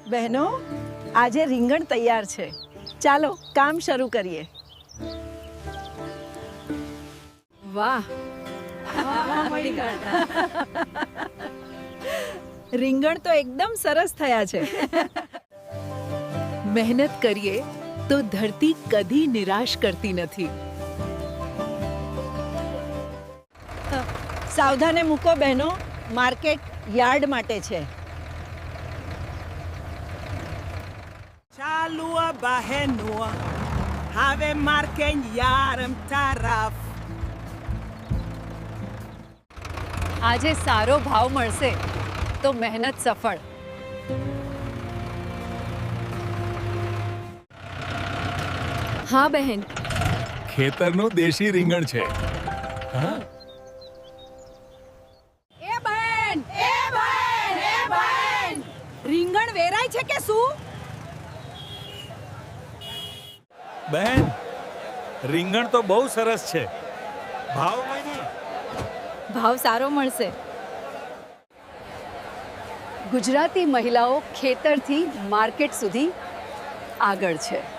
બહેનો, આજે રીંગણ તૈયાર છે. ચાલો કામ શરૂ કરીએ. વાહ, રીંગણ તો એકદમ સરસ થયા છે. મહેનત કરીએ તો ધરતી કદી નિરાશ કરતી નથી. સાવધાને મૂકો બહેનો, માર્કેટ યાર્ડ માટે છે. ચાલુ બહેનો, હવે માર્કેટ યાર્ડ તરફ. આજે સારો ભાવ મળશે તો મહેનત સફળ. હા બહેન, ખેતરનું દેશી રીંગણ છે. રીંગણ વેરાય છે કે શું? બહેન, રીંગણ તો બહુ સરસ છે. ભાવ ભાવ સારો મળશે. ગુજરાતી મહિલાઓ ખેતરથી માર્કેટ સુધી આગળ છે.